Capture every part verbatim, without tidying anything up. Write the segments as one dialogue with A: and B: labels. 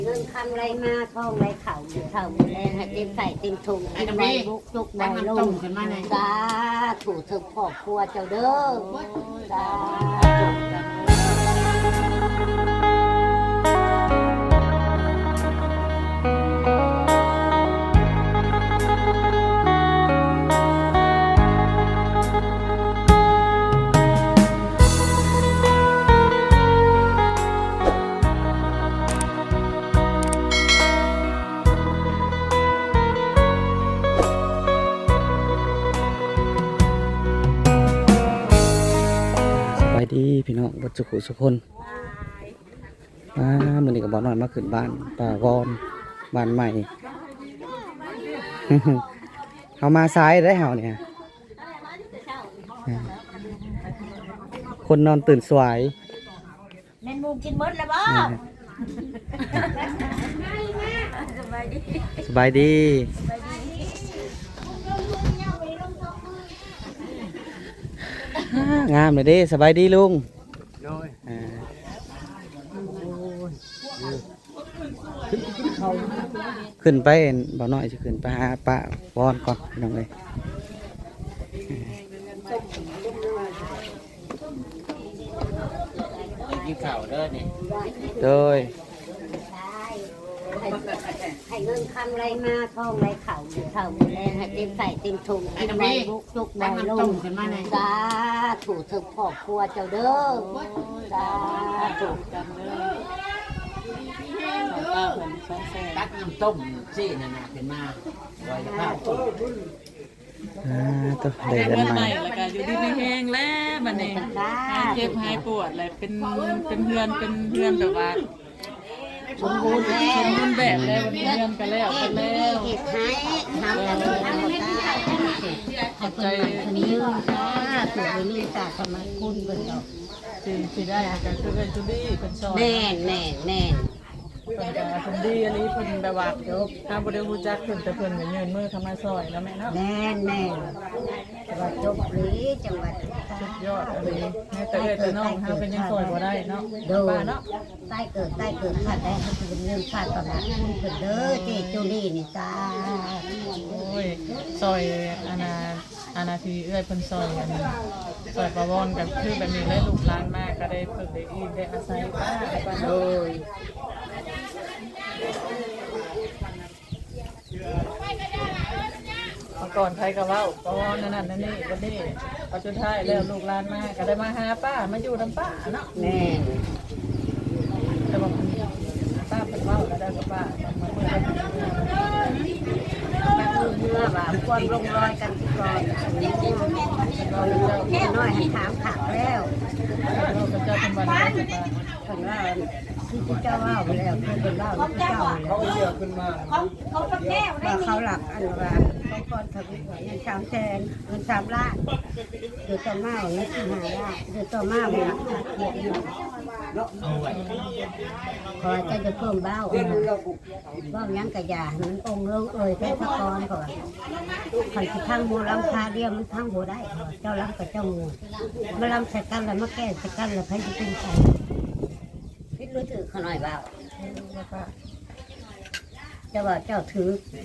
A: เงินคำไรมาทองไรเข่าเข่าแรงให้เต็มใส่เต็มถุงกินใบบุกจุกใบลงสาถูถึงครอบครัวเจ้าเด้อสาธุ
B: ไปดีพี่น้องบัดสุขุสุคนมามื้อนี้ก็บ่น้อยมาขึ้นบ้านป่าวอนบ้านใหม่ เฮามาซ้ายได้เฮาเนี่ยคนนอนตื่นสวย
A: แม่นมูกินมดแล้วบ่สบายดี
B: สบายดีงามเลยเด้สบายดีลุงขึ้นไปบ่น้อยจะขึ้นไปหาป้าวอนก่อนน้องเลยกินข้าวเด้อนี่โดย
A: ให้เงินคำไรมาทองไรเข่าเข่าแรงให้เต็มใส่เต็มถุงกินใบบุกจุกใบลงสาถูถึงครอบครัวเจ้าเด้อสาธุ
C: ตักน้ำต้มซี่นั่นน่ะขึ้นมาลอยข้าวต้ม
B: อ่าตัวได้เดือนใหม่
D: แล้วก็อยู่ดีไม่แห้งแล้วบัดนี้หายเจ็บหายปวดอะไรเป็นเป็นเพื่อนเป็นเพื่อนแบบว่าสมบูรณ์สมบูรณ์แบบแล้ววันนี้เพื่อนกันแล้วกันแล้ว
A: เหตุให้ทำกันเลยทำได้ขอบใจคนนี้ค่ะถูกไปนี่จากสมัยคุณเป็นดอก
D: สิสิได้ก็คือเป็นจุดี้เป็นซอย
A: แน่แน่แน่
D: เป็นก็เป็นดีอันนี้เพิ่นแบบว่าจบถ้าบ่ได้รู้จักเพิ่นแต่เพิ่นก็ยืนมือเข้ามาซอยแล้วแม่เนาะ
A: แน่แน่จังหวัดจบหรือจังหวัด
D: สุดยอดอะไรแม่แต่เอ้ยแต่น้องเฮาเป็นยังซอยบ่ได้เนาะป้าเนาะ
A: ใต้เกิดใต้เกิดขาดได้เขาจะเป็นเรื่องขาดประมาณคุณเพิ่นเด้อเจจูลี่นี่จ้า
D: โอ้ยซอยอาณาอาณาทีเอ้ยเพิ่นซอยอันนี้ซอยประวอนกันคือแบบนี้เลยลูกหลานมากก็ได้เพิ่นได้อีได้อาศัยป้าป้าโดยเมื่อก่อนใครก็เว้าประวอนนั่นนั่นนี่วันนี้พอสุดท้ายแล้วลูกหลานมาก็ได้มาหาป้ามาอยู่นำป้าเนาะ
A: แม่
D: แต่ว่าป้าเป็นเว้าแล้วได้กับป้ามาเมื่อไหร่
A: เมื่อแบบความลงรอยกันที่ก่อนแค่น้อยให้ถามขักแล้ว
D: เราเป็นเจ้าเป็นบ้านได้ป้า
A: คนว่าที่เจ้าว่าไปแล้วเพื่อนเป็นว่าที่เจ้าเขาเยอะขึ้นมาเขาเขาแก้วว่าเขาหลักอันว่าเขาก่อนทำเงินสามแสนเงินสามล้านเดือดต่อมาอย่างนี้สี่ห้าล้านเดือดต่อมาเวลาเกียรติขอจะจะเพิ่มเบ้าเบ้ายังกระยามันองค์เลิกเอ่ยแค่ตะกอนก่อนขันที่ทั้งโมลำคาเดียวมันทั้งโบได้เจ้าลำกับเจ้างูมาลำใส่กันแล้วมาแก้ใส่กันแล้วใครจะเป็นใครพิษรู้ถือขน่อยเบ้าเจ้าว่าเจ้าถือ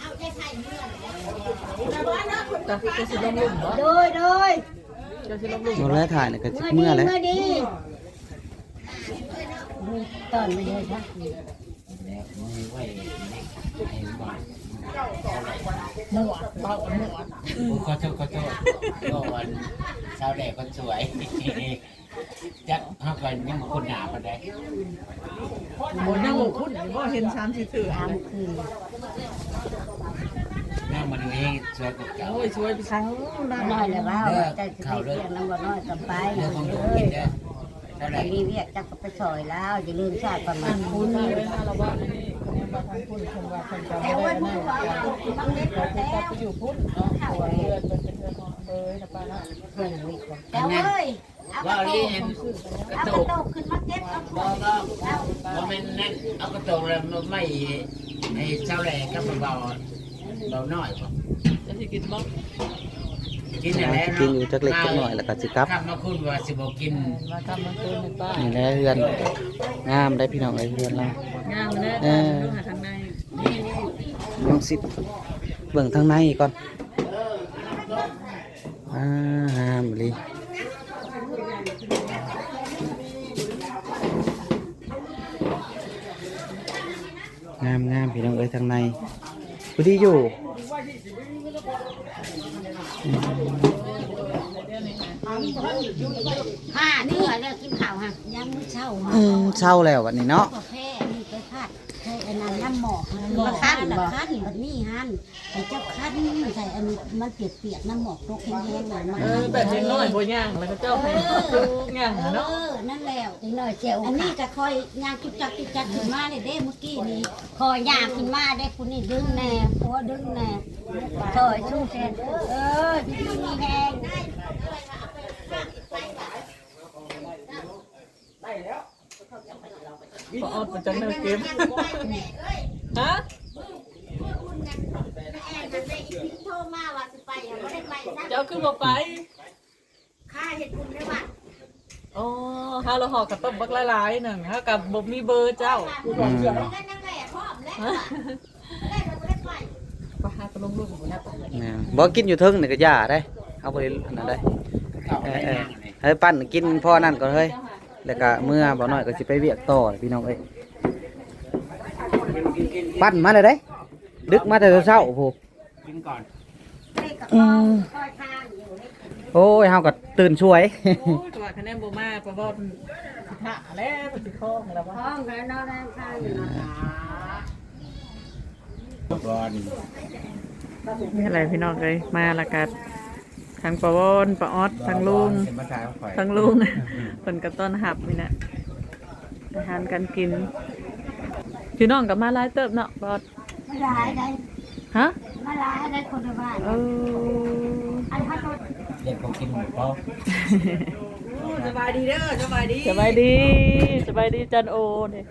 D: จะจะสิลงหลุมบ่
A: โดยโดย
D: จะสิลงหลุม
B: เราแล้วถ่ายเนี่ยก็เมื่อแล้ว
A: เมื่อดีตอนไม่เลยค่ะ
C: หมวดเบาหมวดก็โทษก็โทษก็วันสาวแดกคนสวยจักเฮาก็ยังคนหนาปานใด
D: บ่ยังบ่คุ้นบ่เห็นสามสิถือ
A: ทำคือ
C: แม่มันเองสวยกว่าเก่า
D: โอ้ยสวยไปครั้ง
A: น้อยเลยว่าแต่จะเรียกน้ำบ่น้อยกับไปเลยแต่รีเวียกจักไปซอยแล้วอย่าลืมชาติประมาณ
D: คุณเลยนะเราว่านี่คนนี้มาทางคุณคนว่าคนจะไม่ได้แน่เราจะกลับไปอยู่พุทธเนาะตัวเพื่อนเป็นเพื่อนของเอ้ยนะป้านะ
A: เพื่อนวิกแต่เว้ย
C: ว่าลีเห็นกระตุก
A: ขึ้นมาเก็บเอา
C: บ่บ่บ่แม่นนั่นเอากระตุกแล้วไม่ให้สาวแดกกับเบาเบาน้อยบ่
D: จะสิกินบ่
C: กินนั่นแหละ
B: กินอยู่จักเล็กจักน้อยแล้วก็สิกลับ
C: กลับมาคุณว่าสิบ่กิน
D: มาทำมันคืนในป้า
B: นี่แหละเฮือนงามได้พี่น้องเอ้ยเฮือนเรา
D: งามเลยจ้ะดูหาทางในนี่นี่
B: ลองสิเบิ่งทางในก่อนอ่างามเลยงามงามพี่น้องเอ้ยทางในพอดีอยู่
A: ห้านี่เหรอแล้วกินข้าวฮะยังมื้อเช้าฮะ
B: อืมเช่าแล้ววันนี้เนาะ
A: กาแฟนี่ไปพาดใส่อันนั้นน้ำหมอกมาคั้นละคั้นแบบนี้ฮันไอ้เจ้าคั้นใส่อันนี้มันเปียกๆน้ำหมอกตกแห้งๆเลยมัน
D: เออแบบเล็กน้อยบ่ย่างแล้วก็เจ้าให้ย่าง
A: เอ
D: เนาะ
A: อนั่นแล้วอีกหน่อยเจียวอันนี้ก็คอยย่างจุกจักจุกจักขึ้นมาเลยเด้เมื่อกี้นี้คอยย่างขึ้นมาได้คุณนี่ดึงแน่หัวดึงแน่คอยสู้เส้นเออที่นี่แห้ง
D: พออดมาจากแนวเกมฮะ
A: โทรมาว่าสิไปอ่ะบ่ได้ไปซะ
D: เจ้าคือบ่ไป
A: ค่าเฮ็ดบุญได้ว่า
D: อ๋อฮาเราหอกกับต้มบักหลายๆหนึ่งฮะกับบ่มีเบอร์เจ้า
B: อืม
A: นั่นนั่นแหละพร้อมแล้ว
D: ฮะ
A: ได้บ่ได้ไป
D: ไปหาตะลงลูกของเนี่ย
B: แม่นบ่กินอยู่เทึงนี่ก็ย่าได้เอาไปอันนั้นได้
C: ข้าว
B: เอ
C: ได้
B: อเออ
C: ย่างเลย
B: ให้ปั้นกินพ่อนั่นก่อนเฮ้ยแล้วก็เมื่อบ่น้อยก็สิไปเวียกต่อพี่น้องเอ้ยปั้นมาเลยเด้ดึกมาแต่เช้าโอ้โห
C: กินก่อน
A: ได้กับข้าวคอยทางอยู่ให้กิน
B: โอ้ยเฮาก็ตื่นช่วย
D: โอ้ยตัวคะแนนบ่มากเพราะว่าสิหาแล้วมันสิคล้องแล้ว
A: พ
D: ว่า
A: ร้อมแล้วเนาะได้ข้างอยู่เนาะ
C: ก่อน
D: นี่อะไรพี่น้องเอ้ยมาละกันทางปะวอนปะออดทางลุง
C: มาถ่ายข่อย
D: ทางลุงเพิ่นก็ต้อนรับนี่นะอาหารการกินพี่น้องก็มาหลายเติบเนาะบอส
A: ไม่ร้ายได้
D: ฮะ
A: ไม่ร้ายได้คนในบ้าน
D: เออ
A: อันพัดรถ
C: เด็กผมกินหมูกรอบ
D: สบายดีเด้อสบายดีสบายดีสบายดีจันโอนี่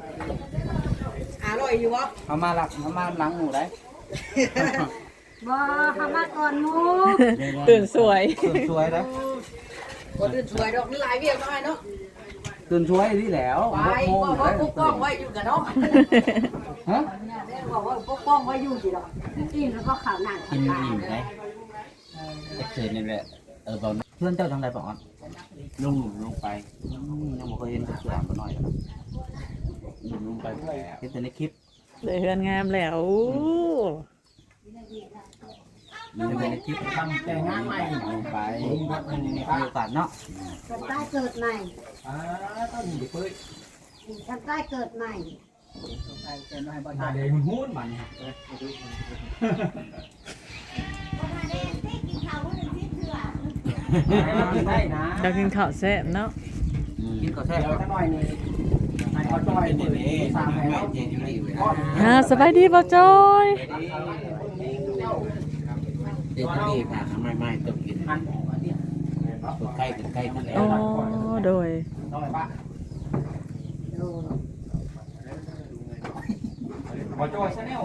B: เอามาหลักเอามาหลังหมูได้
A: บ่เข้ามาก่อนหมู
D: ตื่นสวย
B: ตื่นช่วยได้
E: บ่ตื่นสวยดอกนี่หลายเวียกน้อยเนาะ
B: ตื่นช่วยนี่แล้ว
E: ไปก็ว่าปกป้องไว้อยู่กันเนาะ
B: ฮะ
E: แม่บอกว่าปกป้องไว้อยู่สิดอก
A: กินแล้วก็ข้าวหนัง
C: กินอิ่มเลยไอ้เกิดนี่แหละเออบอก
B: เพื่อนเจ้าทางใดบ่อน
C: ลุงลงไป
B: อืมยังบ่เคยเห็นเสือบ่น้อย
C: ลุงลงไปแล้ว
B: เห็นแต่ในคลิป
D: เลยเฮือนงามแล้ว
B: มีแต่ในคลิป
C: ทำแต่งานใหม่ลงไป
B: มีโอกาสเนาะ
A: กันใต้เกิดใหม่
C: อ่าต้องมีเพื่อน
A: กันใต้เกิดใหม่
C: หาเดี๋ยวหุ้นมัน
B: ได้นะ
D: จะกินข้าวแซ่บเนาะ
B: กินก็แซ่บ
C: จะหน่อยนี่ให้เขาจอยเป็นนี่สามให้เราเจนอยู่นี่เลย
D: อ่าสบายดีบ่จอย
C: เจนอยู่นี่ค่ะทำไมไม่ต้องกินตัวใกล้กันใกล้กันแล้ว
D: อ๋อโดย
B: บ่จอยซะแนว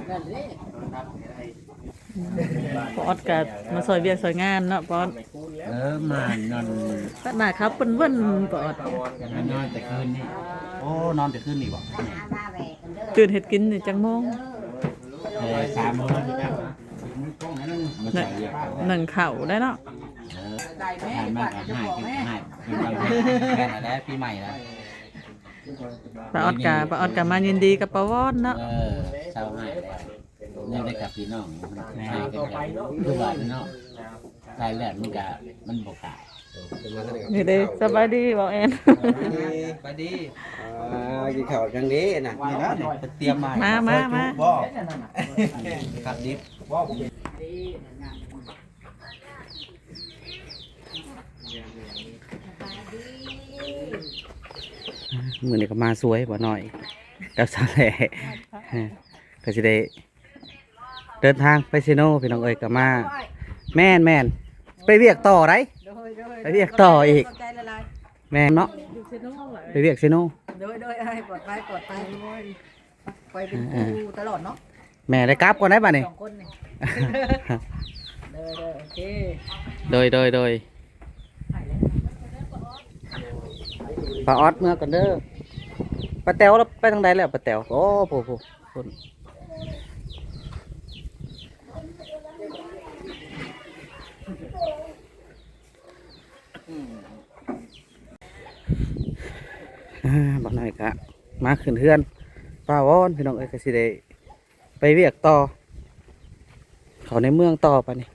D: ปออดกับมาซอยเวียกซอยงานเนาะปออด
C: เออมานอน
D: ตัดหน้าครับเปิ้นเว้นปออด
C: นอนแต่คืนนี่
B: โอ้นอนแต่คืนนี่บ่
A: หามาแหวกกันเด้อ
D: ตื่นเฮ็ดกินนี่จังโมง
C: เออสามโมงนะครับมาใส่เยอะ
D: หนึ่งข้าวได้เนาะ
C: เออหายมากหายกินหาย
B: แม่นแล้วปีใหม่แล้ว
D: ปาออดกะปาออดกะมายินดีกับปาวอนเนาะ
C: เออเศร้าหายนี่ได้กับพี่น้องหายกันทุกวันเนาะตายแล้วมันกะมันบกตาย
D: นี่เด้สบายดีบ่แอน
B: ไปดีอ่ากินข้าวจังนี้น่ะนี่นะเตรียมมา
D: มามามา
B: บ่ครับดิบมื้อนี้ก็มาสวยบ่น้อยกับสาแหล่ก็สิได้เดินทางไปซิโนพี่น้องเอ้ยก็มาแม่นแม่นไปเวียกต่อไรไปเวียกต่ออีก
E: ใจละลาย
B: แม่นเนาะไปเวียกซิโน
E: โดยโดยให้ปลอดภัยปลอดภัยไปเป็นครูตลอดเนาะ
B: แม่ได้กลับก่อนได้ป่ะนี่
E: สองคนนี่
B: เ
E: ออเด้อโอเค
B: โดยโดยโดยป้าออดเมื่อกันเด้อป้าแต๋วแล้วไปทางใดแล้วป้าแต๋วโอ้โหโหโหอ่าบักหน่อยกะมาขึ้นเฮือนป้าวอนพี่น้องเอ้ยก็สิได้ไปเวียกต่อเขาในเมืองต่อไปนี่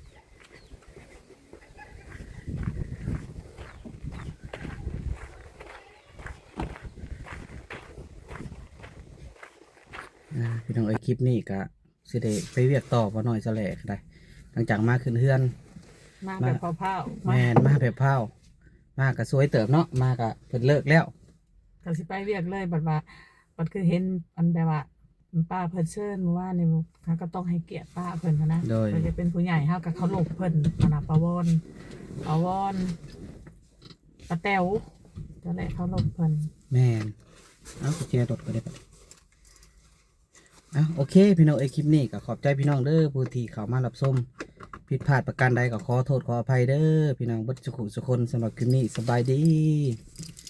B: อ่าพี่น้องเอ้ยคลิปนี้ก็สิได้ไปเวียกต่อบ่หน่อยจะแหลกได้หลังจากมาขึ้นเฮือน
D: มาแบบเผาๆ
B: แมนมาแบบเผามาก็สวยเติบเนาะมาก็เพิ่นเลิกแล้ว
D: ก็สิไปเวียกเลยบัดว่าบัดคือเห็นอันแบบว่าป้าเพิ่นเชิญเมื่อวานนี่เขาก็ต้องให้เกียรติป้าเพิ่นหั้นนะ
B: โดย
D: เพิ่นจะเป็นผู้ใหญ่เฮาก็เคารพเพิ่นอันน่ะปาวอนปาวอนป้าแต๋วนั่นแหละเคารพเพิ่น
B: แมนเอาไปเชียร์รถก็ได้ปะเอาโอเคพี่น้องเอ้ยคลิปนี้ก็ขอบใจพี่น้องเด้อผู้ที่เข้ามารับชมผิดพลาดประการใดก็ขอโทษขออภัยเด้อพี่น้องเบัดสุขุสุคนสำหรับคลิปนี้สบายดี